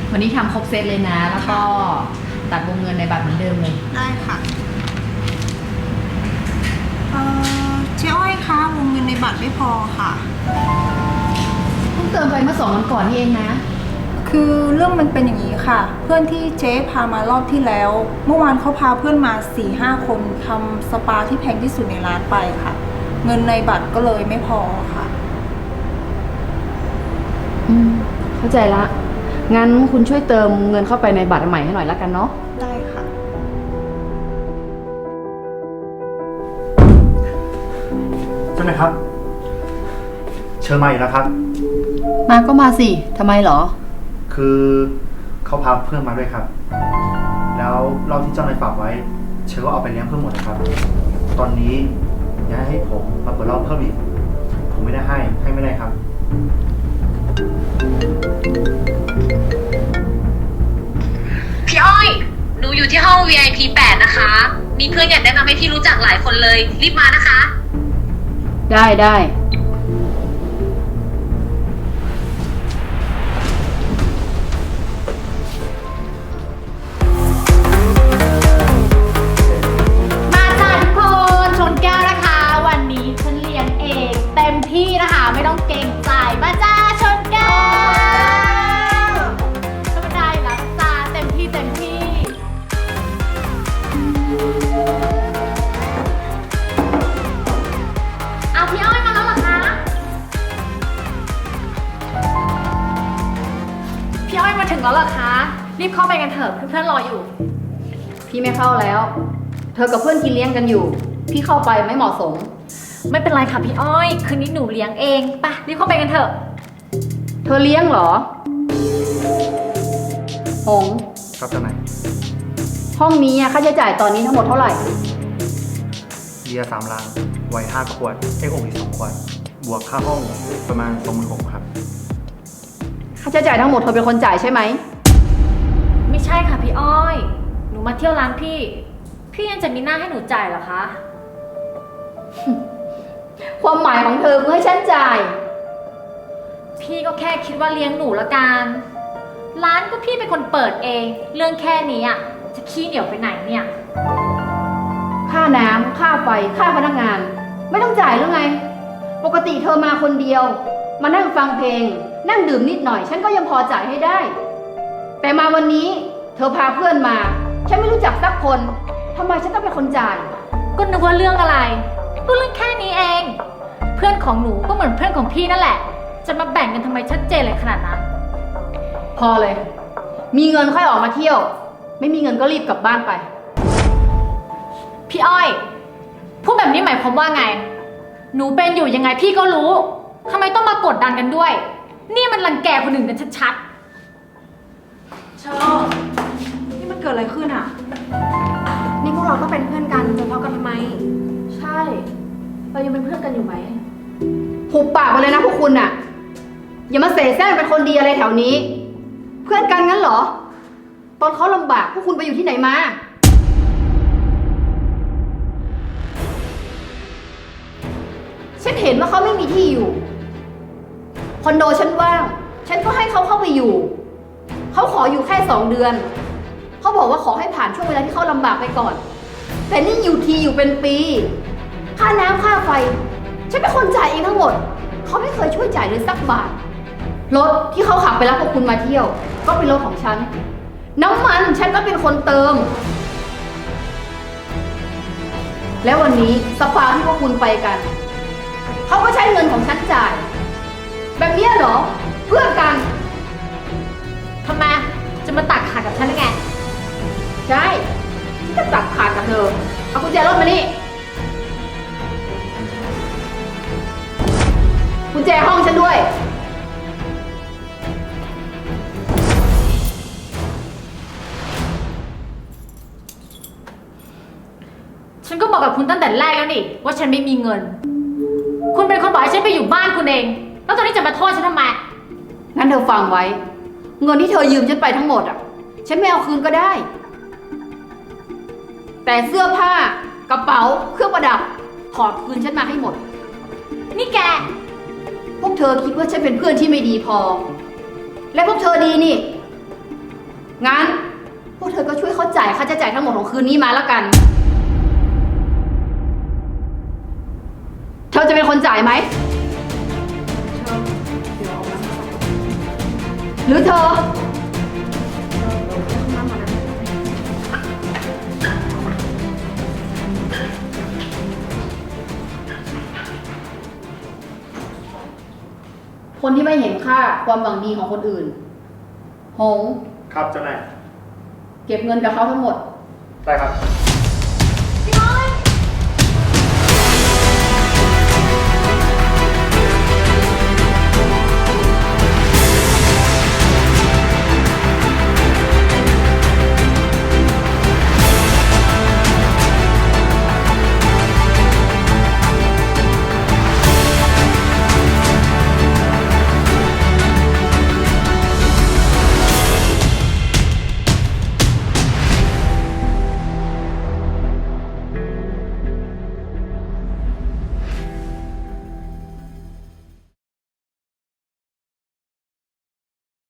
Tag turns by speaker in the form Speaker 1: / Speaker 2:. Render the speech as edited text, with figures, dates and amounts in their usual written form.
Speaker 1: วันนี้ทำครบเซตเลยนะ แล้วก็ตัดวงเงินในบัตรเหมือนเดิมเลย
Speaker 2: ได้ค่ะเจ๊อ้อยคะวงเงินในบัตรไม่พอค่ะ
Speaker 1: เพิ่งเติมไปเมื่อ2 วันก่อนนี่เองนะ
Speaker 2: คือเรื่องมันเป็นอย่างนี้ค่ะเพื่อนที่เจ๊พามารอบที่แล้วเมื่อวานเขาพาเพื่อนมา 4-5 คนทำสปาที่แพงที่สุดในร้านไปค่ะเงินในบัตรก็เลยไม่พอค่ะ
Speaker 1: เข้าใจละงั้นคุณช่วยเติมเงินเข้าไปในบัตรใหม่ให้หน่อยละกันเนาะ
Speaker 2: ได้ค่ะ
Speaker 3: ใช่ไหมครับเชิญมาอีกแล้วครับ
Speaker 1: มาก็มาสิทำไมเหรอ
Speaker 3: คือเขาพาเพื่อนมาด้วยครับแล้วเหล้าที่เจ้านายฝากไว้เชิญว่าเอาไปเลี้ยงเพื่อนหมดนะครับ ตอนนี้อยากให้ผมมาเปิดเหล้าเพิ่มอีกผมไม่ได้ให้ไม่ได้ครับ
Speaker 4: พี่อ้อยหนูอยู่ที่ห้อง VIP 8 นะคะ มีเพื่อนอยากแนะนำให้พี่รู้จักหลายคนเลย รีบมานะคะ
Speaker 1: ได้มาจ้าทุกคนชนแก้วนะคะ วันนี้ฉันเลี้ยงเองเต็มที่นะคะไม่ต้องเกรงใจมาจ้าชนแก้วก็ไม่ได้นะจ้าเต็มที่เอาพี่อ้อยมาแล้วเหรอคะพี่อ้อยมาถึงแล้วเหรอคะรีบเข้าไปกันเถอะเพื่อนๆรออยู่พี่ไม่เข้าแล้วเธอกับเพื่อนกินเลี้ยงกันอยู่พี่เข้าไปไม่เหมาะสมไม่เป็นไรค่ะพี่อ้อยคืนนี้หนูเลี้ยงเองไปรีบเข้าไปกันเถอะเธอเลี้ยงเหรอหง
Speaker 3: ครับเจ้านาย
Speaker 1: ห้องนี้ค่าใช้จ่ายตอนนี้ทั้งหมดเท่าไหร่
Speaker 3: เบียร์3 ลังไวน์5 ขวดเอ็กโออีก2 ขวดบวกค่าห้องประมาณ 26,000 ครับ
Speaker 1: ค่าใช้จ่ายทั้งหมดเธอเป็นคนจ่ายใช่ไหม
Speaker 4: ไม่ใช่ค่ะพี่อ้อยหนูมาเที่ยวร้านพี่ยังจะมีหน้าให้หนูจ่ายเหรอคะ
Speaker 1: ความหมายของเธอคือให้ฉันจ่าย
Speaker 4: พี่ก็แค่คิดว่าเลี้ยงหนูละกันร้านก็พี่เป็นคนเปิดเองเรื่องแค่นี้อ่ะจะขี้เหนียวไปไหนเนี่ย
Speaker 1: ค่าน้ำค่าไฟค่าพนักงานไม่ต้องจ่ายหรือไงปกติเธอมาคนเดียวมานั่งฟังเพลงนั่งดื่มนิดหน่อยฉันก็ยังพอจ่ายให้ได้แต่มาวันนี้เธอพาเพื่อนมาฉันไม่รู้จักสักคนทำไมฉันต้องเป็นคนจ่าย
Speaker 4: ก็นึกว่าเรื่องอะไรก็เรื่องแค่นี้เองเพื่อนของหนูก็เหมือนเพื่อนของพี่นั่นแหละจะมาแบ่งกันทำไมชัดเจนเลยขนาดนั้น
Speaker 1: พอเลยมีเงินค่อยออกมาเที่ยวไม่มีเงินก็รีบกลับบ้านไป
Speaker 4: พี่อ้อยพูดแบบนี้หมายความว่าไงหนูเป็นอยู่ยังไงพี่ก็รู้ทำไมต้องมากดดันกันด้วยนี่มันรังแกคนอื่นกันชัด
Speaker 2: ๆชอบนี่มันเกิดอะไรขึ้นอ่ะนี่พวกเราก็เป็นเพื่อนกันจะทะเลาะกันทำไม
Speaker 1: ใช่เรายังเป็นเพื่อนกันอยู่ไหมหุบปากไปเลยนะพวกคุณน่ะอย่ามาเสแสร้งเป็นคนดีอะไรแถวนี้เพื่อนกันงั้นเหรอตอนเขาลำบากพวกคุณไปอยู่ที่ไหนมาฉันเห็นว่าเขาไม่มีที่อยู่คอนโดฉันว่างฉันก็ให้เขาเข้าไปอยู่เขาขออยู่แค่2 เดือนเขาบอกว่าขอให้ผ่านช่วงเวลาที่เขาลำบากไปก่อนแต่นี่อยู่ทีอยู่เป็นปีค่าน้ำค่าไฟฉันเป็นคนจ่ายเองทั้งหมดเขาไม่เคยช่วยจ่ายเลยสักบาทรถที่เขาขับไปรับพวกคุณมาเที่ยวก็เป็นรถของฉันน้ำมันฉันก็เป็นคนเติมแล้ววันนี้สปาที่พวกคุณไปกันเขาก็ใช้เงินของฉันจ่ายแบบนี้เหรอเพื่อนกัน
Speaker 4: ทำไมจะมาตักขาดกับฉันได้ไง
Speaker 1: ใช่ฉันจะตักขาดกับเธอเอากุญแจรถมานี่กุญแจห้องฉันด้วย
Speaker 4: ฉันก็บอกกับคุณตั้งแต่แรกแล้วนี่ว่าฉันไม่มีเงินคุณเป็นคนบอกให้ฉันไปอยู่บ้านคุณเองแล้วตอนนี้จะมาโทษฉันทำไม
Speaker 1: งั้นเธอฟังไว้เงินที่เธอยืมฉันไปทั้งหมดฉันไม่เอาคืนก็ได้แต่เสื้อผ้ากระเป๋าเครื่องประดับถอดคืนฉันมาให้หมด
Speaker 4: นี่แก
Speaker 1: พวกเธอคิดว่าฉันเป็นเพื่อนที่ไม่ดีพอและพวกเธอดีนี่งั้น พวกเธอก็ช่วยเขาจ่ายค่าใช้จ่ายทั้งหมดของคืนนี้มาแล้วกัน เธอจะเป็นคนจ่ายไหม หรือเธอ คนที่ไม่เห็นค่าความหวังดีของคนอื่น หง
Speaker 3: ครับเจ้านาย
Speaker 1: เก็บเงินกับเขาทั้งหมด
Speaker 3: ได้ครับ